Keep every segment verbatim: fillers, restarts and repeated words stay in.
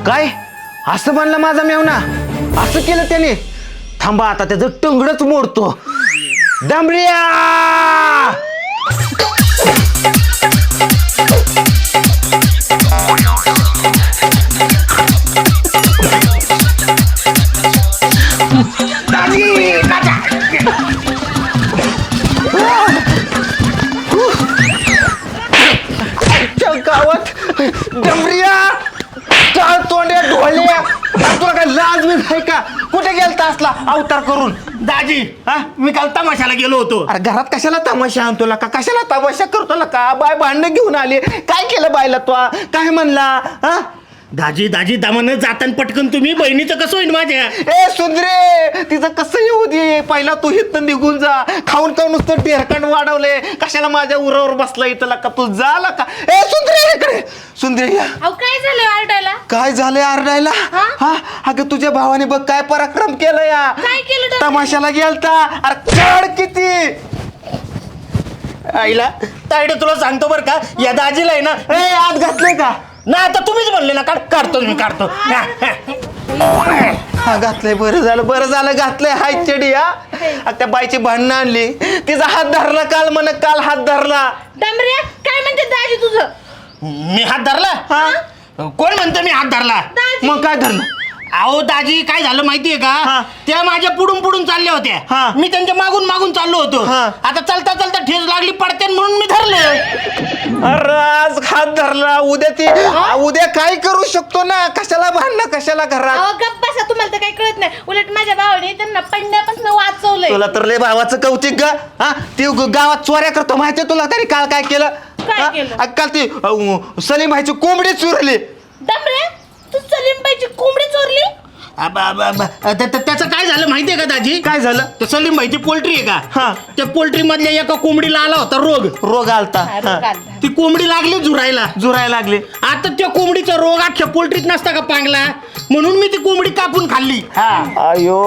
काय असं म्हणलं माझा मेवना? असं केलं त्याने? थांबा आता त्याचं टंगडच मोडतो. डांबऱ्या गावात डंबऱ्या काळ तोंड्या ढोल्या, तुला काय लाज बीज आहे का? कुठे गेलता असला अवतार करून? दाजी हा मी काल तमाशाला गेलो होतो. अरे घरात कशाला तमाशा आणतो का? कशाला तमाशा करतो का? बाय भांडणं घेऊन आली, काय केलं बायला? तो काय म्हणला? हा दाजी दाजी दामानं जाताना पटकन तुम्ही बहिणीचं कसं होईल माझ्या? ए सुंदरे, तिचं कसं येऊ दे, पहिला तू हित निघून जा. खाऊन खाऊन नुसतं टेरकांड वाढवले, कशाला माझ्या उरावर बसला इथं का? तू झाला का? ए सुंदरे इकडे, सुंदरे या. अहो काय झालं आरडायला? काय झालंय आरडायला? हा अगं तुझ्या भावाने बघ काय पराक्रम केलं या. काय केलं डॉक्टर? तमाशाला गेलता. अरे काढ किती आईला ताईडे तुला सांगतो बरं का, या दाजीला आहे ना ए आत घातले का? ना आता तुम्हीच म्हणले ना काढ काढतो मी काढतो. हा, हा. हा घातलंय, बरं झालं बरं झालं घातलंय. हाय चेडी हा. त्या बाईची भांडणं आणली, तिचा हात धरला काल, म्हण काल हात धरला. डांबऱ्या काय म्हणते दाजी तुझं? मी हात धरला? हा कोण म्हणतो मी हात धरला? दाजी मग काय धरलं? अहो दाजी काय झालं माहितीये हा. का, त्या माझ्या पुढून पुढून चालल्या हा. होत्या, मी त्यांच्या मागून मागून चाललो होतो. हा. आता चालता चालता ठेच लागली पडते म्हणून मी धरले. अरे आज हात धरला, उद्या ती उद्या काय करू शकतो ना? कशाला भांडणं, कशाला घरात? अहो गप्प बसा, तुम्हाला तर काही कळत नाही. उलट माझ्या भावाने त्यांना पडण्यापासून वाचवलंय. तुला तर लय भावाचं कौतिक ग. हा ती ग- गावात चोऱ्या करतो माहितीये तुला? तरी काल काय केलं? काय हा? केलं? अ, काल ती अ, सलीम भाईची कोंबडी चुरली. डांबऱ्या तू सलीमबाईची कोंबडी चोरली? अब- अब- अब- त्या- त्या- त्याचं काय झालं माहितीये का दाजी? काय झालं? ते सलीम भाईची पोल्ट्री आहे हा. का, त्या पोल्ट्री मधल्या एका कोंबडीला आला होता रोग. रोग आलता. हा, रोग हा. आलता. ती कोंबडी लागली झुरायला. जुरायला लागले. आता त्या कोंबडीचा रोग अख्ख्या पोल्ट्रीत नसता का पांगला, म्हणून मी ती कोंबडी कापून खाल्ली. अयो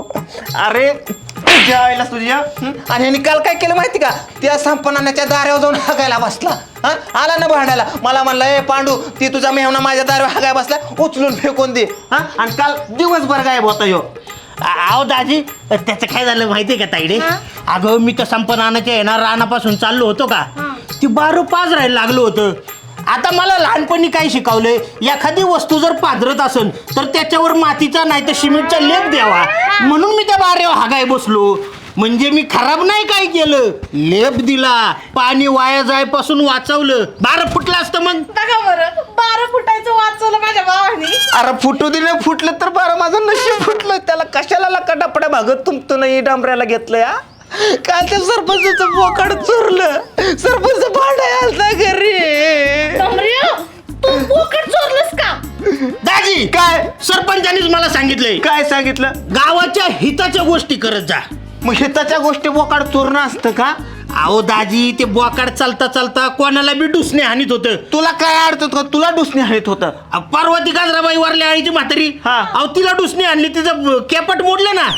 अरे तुझ्या आईला तुझ्या हं? आणि ह्यानी काल काय केलं माहिती का? त्या संपन्नाच्या दारावर जाऊन हागायला बसला. हा आला ना भांडायला, मला म्हणला ए पांडू, ती तुझा मेहना माझ्या दारावर हागायला बसला, उचलून फेकून दे. हा आणि काल दिवसभर गायब होता ह्यो. अहो दाजी त्याचं काय झालं माहितीये का ताईडे? अगं मी तर संपनाच्या येणार रानापासून चाललो होतो का, ती बारू पाच राहायला लागलो होतं. आता मला लहानपणी काय शिकवलंय, एखादी वस्तू जर पाजरत असेल तर त्याच्यावर मातीचा नाही तर सिमेंटचा लेप द्यावा, म्हणून मी त्या बारेवर हागाय बसलो. म्हणजे मी खराब नाही काय केलं, लेप दिला, पाणी वाया जायपासून वाचवलं. बारं फुटलं असतं मग. बघा बरं, बारा फुटायचं वाचवलं माझ्या भावाने. अरे फुटू दिलं, फुटलं तर बरं, माझं नशीब फुटलं. त्याला कशाला लकाटापड्या भागत तुमचं नाही डांबऱ्याला घेतलं या. काल त्या सरपंचाचं बोकाड चोरलं, सरपंच भांडाय आलता घरी. डांबऱ्या तू बोकड चोरलंस का? दाजी काय सरपंचानीच मला सांगितलंय, काय सांगितलं? गावाच्या हिताच्या गोष्टी करत जा. मग हिताच्या गोष्टी बोकाड चोरणं असतं का? अहो दाजी ते बोकाड चालता चालता कोणाला बी डुसणे हानीत होतं. तुला काय अडचत का? तुला डुसणी हवीत होतं. अहो, पार्वती गाजराबाई वारल्या आईची म्हातारी, हा. अहो तिला डुसणी आणली, तिचं केपट मोडलं ना.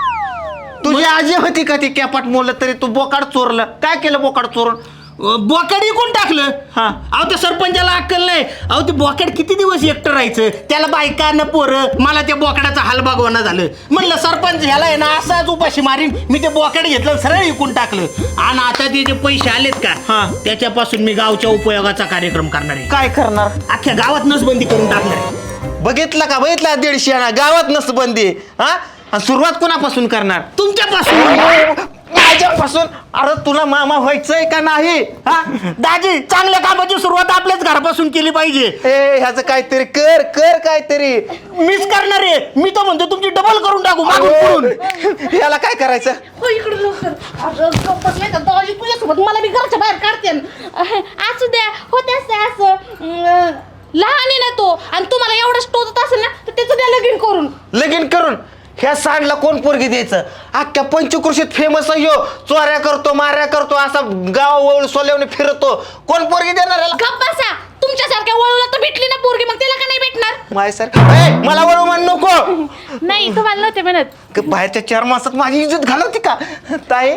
तुझी आजी होती का ती केपाट मोडलं तरी तू बोकाड चोरलं? काय केलं बोकाड चोरून? अं, बोकाड इकून टाकलं. हा. अहो त्या सरपंचाला अक्कल नाही. अहो ते बोकाड किती दिवस एकटं राहायचं, त्याला बायका न पोरं. मला त्या बोकाडाचा हाल बागवाना झालं. म्हणलं सरपंच ह्याला आहे ना असाच उपाशी मारीन, मी ते बोकाड घेतलं सरळ इकून टाकलं. आणि आता ते जे पैसे आलेत का, हा. त्याच्यापासून मी गावच्या उपयोगाचा कार्यक्रम करणार आहे. काय करणार? अख्ख्या गावात नसबंदी करून टाकणार आहे. बघितलं का? बघितला दीडशे आणा गावात नसबंदी. हा आणि सुरुवात कोणापासून करणार? तुमच्यापासून. माझ्यापासून? अरे तुला मामा व्हायचंय का नाही? हा दाजी चांगल्या कामाची सुरुवात आपल्याच घरापासून केली पाहिजे. ए ह्याचं काहीतरी कर कर काहीतरी. मिस करणार आहे मी तर म्हणतो, तुमची डबल करून टाकू मागून पुढून. याला काय करायचं? हो इकडे लवकर. अगं गप्पच नाही का दाजी, तुझ्यासोबत मला बी घरच्या बाहेर काढते. असू द्या, होते असते असं. अं, लहान आहे ना तो, आणि तुम्हाला एवढं टोचत असेल ना तर त्याचं द्या लगीन करून. लगीन करून ह्या सांडला कोण पोरगी द्यायचं? अख्ख्या पंचकृषीत फेमस आहे ह्यो. चोऱ्या करतो, माऱ्या करतो, असा गाव वळ सोल्यावणी फिरतो. कोण पोरगी देणार याला? गप्प बसा. तुमच्यासारख्या वळूला तर भेटली ना पोरगी, मग त्याला का नाही भेटणार? माय सर ए, मला वळू म्हण नको. नाही तुम्हाला नव्हते म्हणत. क- बाहेरच्या चार मासात माझी इज्जत घालवती का ताई?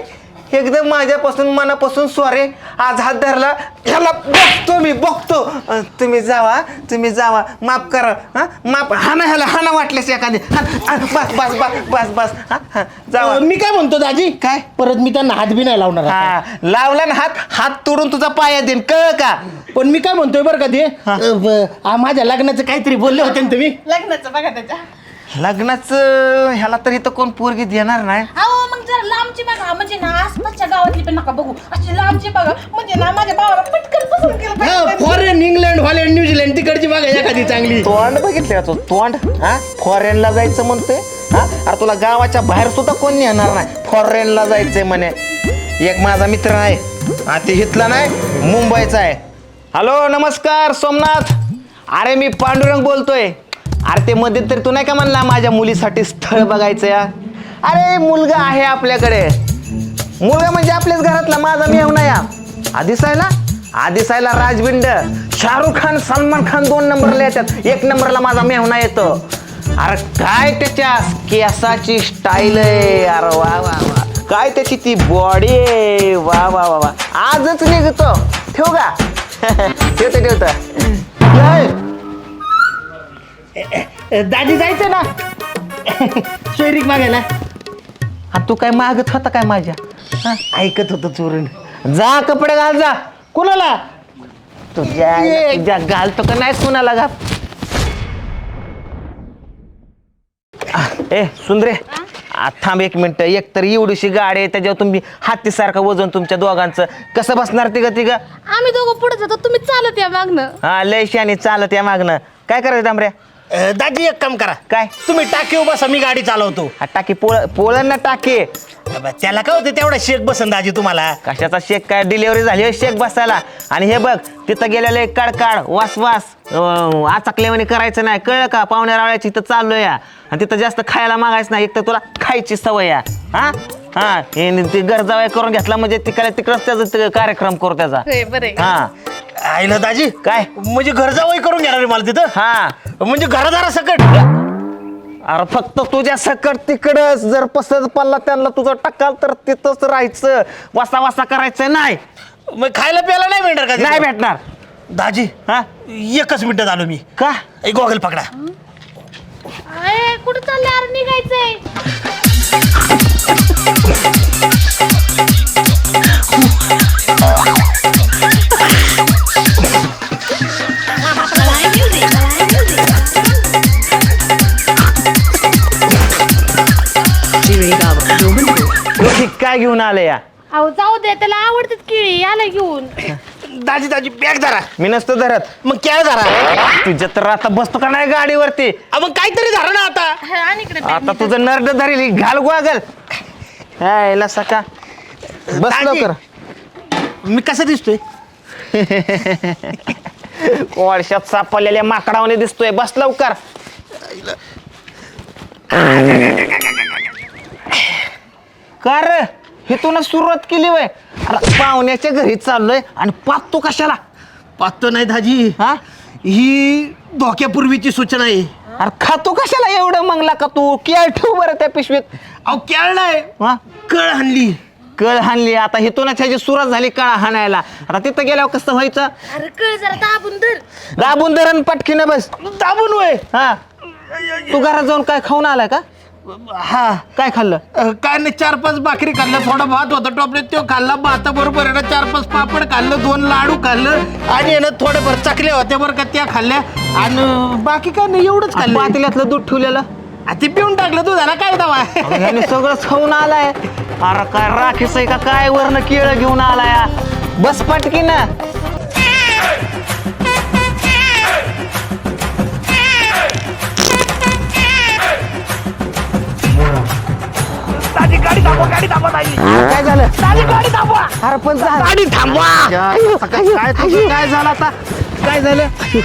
एकदम माझ्यापासून मनापासून सॉरी. आज हात धरला ह्याला बघतो मी बघतो. अं, तुम्ही जावा तुम्ही जावा माफ करा. हा माफ हा ना ह्याला हा ना वाटलेस एखादी हा, हा, बस बस बस बस बस हा हा जावा. अ, मी काय म्हणतो दाजी काय? परत मी त्यांना हात बी नाही लावणार आता. हा लावला ना हात हात तोडून तुझा पाया देईन कळ का. पण मी काय म्हणतोय बरं का ते अ, ब- आ, माझ्या लग्नाचं काहीतरी बोलले होते ना तुम्ही. लग्नाचं बघा त्याच्या. लग्नाचं ह्याला तर इथं कोण पोरगी देणार नाही. अहो मग जरा लांबची बघा म्हणजे ना आसपासच्या गावातली पण नका बघू अशी लांबची बघा म्हणजे ना माझ्या भावाला पटकन पसंत केलं पाहिजे. फॉरेन इंग्लंड हॉलंड न्यूझीलंड तिकडची बघा एखादी चांगली. तोंड बघितलं का तू तोंड हा फॉरेनला जायचं म्हणतोय. हा अरे तुला गावाच्या बाहेर सुद्धा कोण येणार नाही. फॉरेनला जायचंय म्हणे. एक माझा मित्र आहे हा ते हितला नाही मुंबईचा आहे. हॅलो नमस्कार सोमनाथ. अरे मी पांडुरंग बोलतोय. अरे ते मध्ये तरी तू नाही का म्हणला माझ्या मुलीसाठी स्थळ बघायचं या. अरे मुलगा आहे आपल्याकडे. मुलगा म्हणजे आपल्याच घरातला माझा मेहुणा या. आदिसायला आदिसायला राजबिंड शाहरुख खान सलमान खान दोन नंबरला येतात. एक नंबरला माझा मेहुणा येतो. अरे काय त्याच्या केसाची स्टाईल आहे. अरे वा वा वा काय त्याची ती बॉडी आहे. वा वा वा वा आजच निघतो. ठेवू का ठेवतो ठेवतो. दादी जायचं ना सोयरीक मागायला. हा तू काय मागत होता काय माझ्या. हा, ऐकत होतो चोरून. जा कपडे घाल जा. कुणाला तुझ्या तुझ्या घालतो का नाही कुणाला घाल. ए सुंदरे आ, थांब एक मिनिट. एक तर एवढीशी गाडी आहे त्याच्यावर तुम्ही हातीसारखं वजन तुमच्या दोघांचं कसं बसणार तिघ तिघ. आम्ही दोघं पुढे जातो तुम्ही चालत या मागणं. हा लय शानी चालत या मागणं. काय करायचं डांबऱ्या. अ, दादी एक काम करा काय तुम्ही टाकी बसा मी गाडी चालवतो. हा टाकी पोळ पोळण ना टाकी. अब त्याला काय होते तेवढा शेक बसन दाजी तुम्हाला. कशाचा शेक काय डिलिव्हरी झाली होय शेक बसायला. आणि हे बघ तिथं गेलेलं एक काढ वास वास अं, आचकल्यावानी करायचं नाही कळलं का. पाहुण्या रावळ्याची इथं चाललोय या. आणि तिथं जास्त खायला मागायचं नाही. एक तर तुला खायची सवय या. हा हा हे ती गरजावाय करून घेतला म्हणजे तिकडे तिकडच त्याचा ते कार्यक्रम करू त्याचा. बरे हा आईला दाजी काय म्हणजे घरजावई करून घेणार आहे मला तिथं. हा म्हणजे घरादारा सकट. अरे फक्त तुझ्या सकट तिकडच जर पसंत पडला त्यांना तुझं टक्काल तर तिथंच राहायचं. वासा वासा करायचं नाही. मग खायला प्यायला नाही मिळणार का तिथं? नाही भेटणार. दाजी हा एकच मिनिटात आलो मी. का एक गॉगल पकडा. अरे कुठं चाललं यार निघायचंय. काय घेऊन आले या. अहो जाऊ दे त्याला आवडतात केळी याला घेऊन. दाजी दाजी बॅग धरा. मी नसतो धरत. मग काय धरा. तुझ्या तर आता बसतो का नाही गाडीवरती. अ, मग काहीतरी धरा ना आता. हा, आणि इकडे bag आता नी तुझं नर्ड धरेल घाल गोगल. यायला सका बस दाजी. लवकर. मी कसं दिसतोय. वर्षात सापडलेल्या माकडावाने दिसतोय. बस लवकर. कर हिथूनच सुरुवात केली वय. पाहुण्याच्या घरी चाललोय आणि पाहतो कशाला. पाहतो नाही दाजी. हा ही धोक्यापूर्वीची सूचना आहे. अरे खातो कशाला एवढं मंगला का तू. केळ ठेव बरं त्या पिशवीत. अहो केळ नाही हा कळ हाणली. कळ हाणली. आता हिथूनच ह्याची सुरुवात झाली काळा हाणायला. आता तिथं गेल्यावर कसं व्हायचं. अरे कळ जरा दाबून धर. दाबून धरण पटकीनं बस. दाबून वय. हा तू घरात जाऊन काय खाऊन आलाय का. हा काय खाल्लं. अ, काय नाही चार पाच भाकरी खाल्लं थोडा भात होता टोपल्यात तो खाल्ला. भाता बरोबर आहे ना चार पाच पापड खाल्लं दोन लाडू खाल्लं आणि आहे ना थोड्याभर चकल्या होत्या बरं का त्या खाल्ल्या. आणि बाकी काय नाही एवढंच खाल्लं. पातेल्यातलं दूध ठेवलेलं आ, ते पिऊन टाकलं तू झाला काय दावा. ह्याने सगळं खाऊन आलाय. अरे काय राखीस आहे का काय वरनं केळं घेऊन आलाय. बस पटकी ना. दाजी गाडी थांबवा गाडी थांबवा दाजी. काय झालं. दाजी गाडी थांबवा. अरे पण झालं. गाडी थांबवा. काय तुझं काय झालं आता. काय झालं.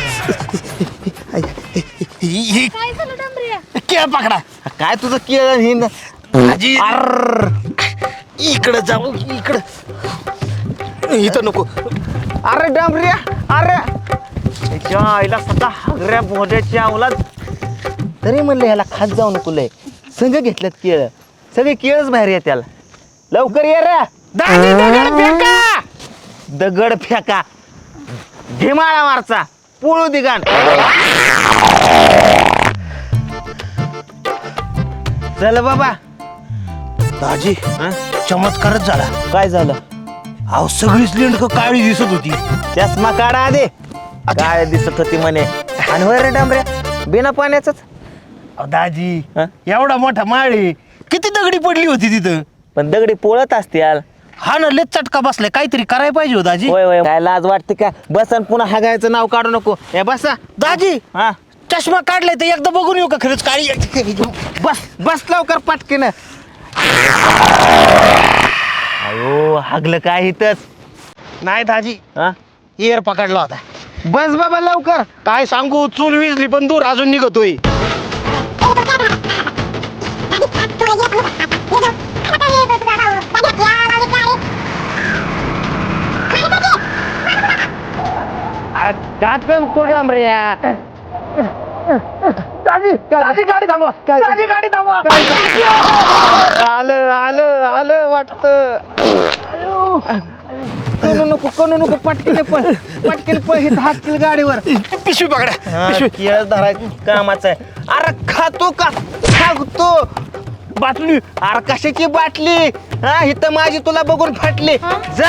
ही- ही काय झालं डांबऱ्या. केळ पकडा. काय तुझं केळं हिंद. दाजी अर इकडं जाऊ इकडं. इथं नको. अरे डांबऱ्या अरे त्याच्या आईला सगळा हागऱ्या भोड्याच्या अवलाद. तरी म्हणलं ह्याला खात जाऊ नको लय. संघ घेतल्यात केळं. सगळे केळच बाहेर या त्याला. लवकर ये रे. दाजी दगड फेका. दगड फेका ढिमाळा मारचा पोळू दिगाण. चल बाबा. दाजी हं? चमत्कारच झाला. काय झालं? अहो सगळीच लेंडक काळी दिसत होती. चष्मा काढा आधी. काय दिसत होती म्हणे. आणि होय रे डांबऱ्या बिना पाण्याच. अहो, दाजी हं? एवढा मोठा माळी किती दगडी पडली होती तिथं. पण दगडी पोळत असते यार. हा ना लेच चटका बसलाय काहीतरी करायला पाहिजे हो दाजी. होय होय काय लाज वाटते का? बसन पुन्हा हागायचं नाव काढू नको. हे बसा. दाजी हा चष्मा काढलाय तर एकदा बघून येऊ का खरंच काळी. बस बस लवकर पटकीन. अयो हागलं काय इथंच. नाही दाजी हा एअर पकडला होता. बस बाबा लवकर. काय सांगू चूल विजली पण दूर अजून निघतोय. आलं आलं आलं वाटत. कणू नको कणू नको पटकीने पण पटकीने पण हिथं हाकतील गाडीवर. पिशवी पकड्या पिशवी. केळ धरायचं कामाचं आहे. अरे खातो का खातो बाटली. अरे कशाची बाटली. हा इथं माझी तुला बघून फाटली. जा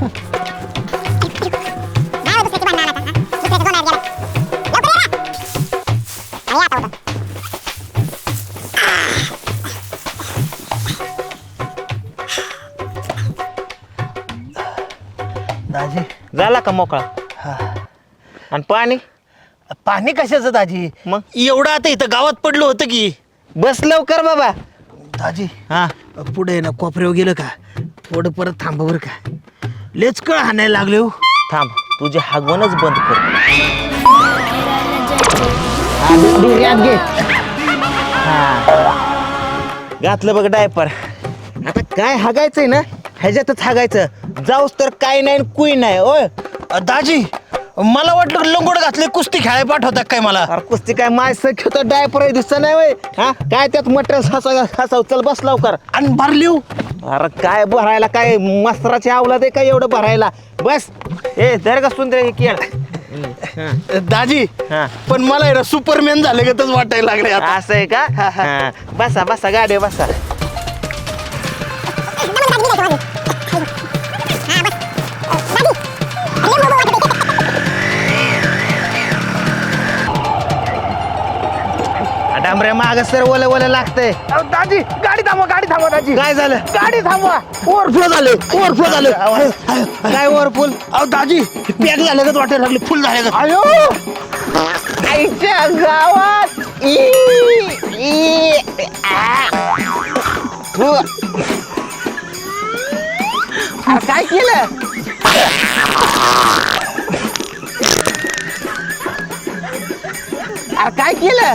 दाजी झाला का मोकळा. आणि पाणी पाणी कशाचं दाजी मग? एवढं आता इथं गावात पडलं होतं की. बस लवकर बाबा. दाजी हा पुढे ना कोपऱ्यावर गेलं का थोडं परत थांबा बरं का. लेच कळ हाणायला लागले हो. थांब तुझे हागवणच बंद कर. घे घातलं बघ डायपर. आता काय हागायचंय ना ह्याच्यातच हागायचं. जाऊस तर काय नाही कुई नाही. ओय अ, दाजी मला वाटलं लंगोट घातले कुस्ती खेळायला पाठवतात काय मला. अरे कुस्ती काय माय सख्य तर डायपर दिसत नाही वय. हा काय त्यात मटेरियल हसा हसाव. चल बस लवकर. आणि भरली हो. अरे काय भरायला काय मस्तराची आवलाद आहे काय एवढं भरायला. बस ए धर का सुंदर हे केळ. दाजी हा. पण मला आहे ना सुपरमॅन झाले का तच वाटायला लागले आता. असं आहे का. हा. बसा बसा गाडी बसा. डांबऱ्या माग सर ओलं ओलं लागतंय. अहो, दाजी गाडी थांबवा गाडी थांबवा दाजी. काय झालं? गाडी थांबवा. ओव्हरफ्लो झाले ओव्हरफ्लो झाले. काय वरपूल. अहो दाजी पॅक झाले का वाटायला लागले फुल झाले का. अयो आईच्या गावात ई, ई, आ. हो. अरे काय केलं. अरे काय केलं.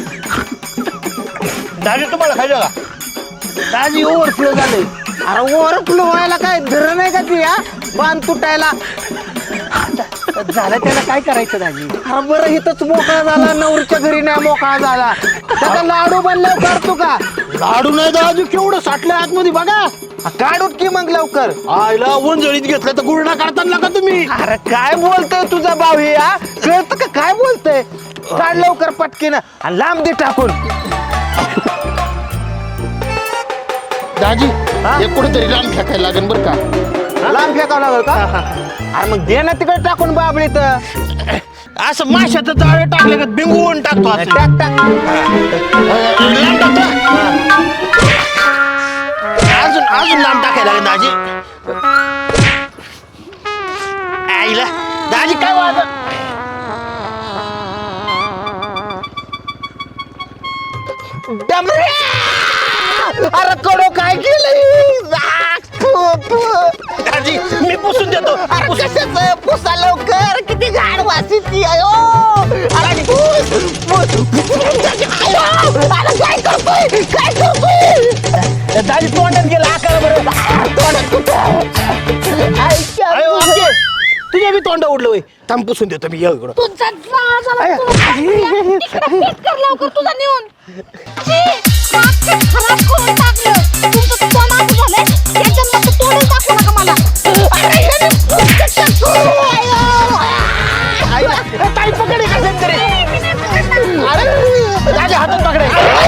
दाजी तुम्हाला खायचं का. दाजी ओव्हरफ्लो झाले. अरे ओव्हरफ्लो व्हायला काय धरण आहे का ती. हा बांध तुटायला झालं त्याला काय करायचं दाजी. अरे बरं इथंच मोकळा झाला. नवरीच्या घरी नाही मोकळा झाला. त्याचा लाडू बनल्यावर काढतो का. लाडू नाही दाजी केवढं साठलं आतमध्ये बघा. काढूत की मग लवकर. आईला वंजळीत घेतलं तर गुरडा काढताना का तुम्ही. अरे काय बोलतोय तुझा भाऊ हे. हा कळतं का काय बोलतोय. काढ लवकर पटकीनं आणि लांब दे टाकून. दाजी हा? हे कुठेतरी रान फेकायला लागेल बरं का. लांब फेकावं लागल का. अरे मग दे ना तिकडे टाकून बाबळी तर. असं माशाचं जाळे टाकले का बिंगवून टाकतो असं. टाक टाक. लांब टाकतो. अजून अजून लांब टाकायला लागेल दाजी. आईला दाजी काय वाज. अरे कडो काय केलं. दाजी मी पुसून देतो. अरे कशाचं पुसा लवकर. किती घाण वासीची. अयो अरे पुस, पुस. अयो, अरे काय करतोय काय करतोय. दाजी तोंडात गेला आकार बरं. तोंडात कुठं. ऐका अयो आमचे तुझ्या बी तोंड उडलं होय. थांब पुसून देतो मी ये इकडं. तुझा त्रास झाला तुला. तिकडं पीठ कर लवकर तुझा नेऊन. छी, नाक ते खराब करून टाकलं. तुमचं तोंड असं झालंय. त्याच्यात मग तोंड एवढंच दाखवू नका मला. अरे, ताई पकडे कसं तरी. अरे दाजी हातात पकडे.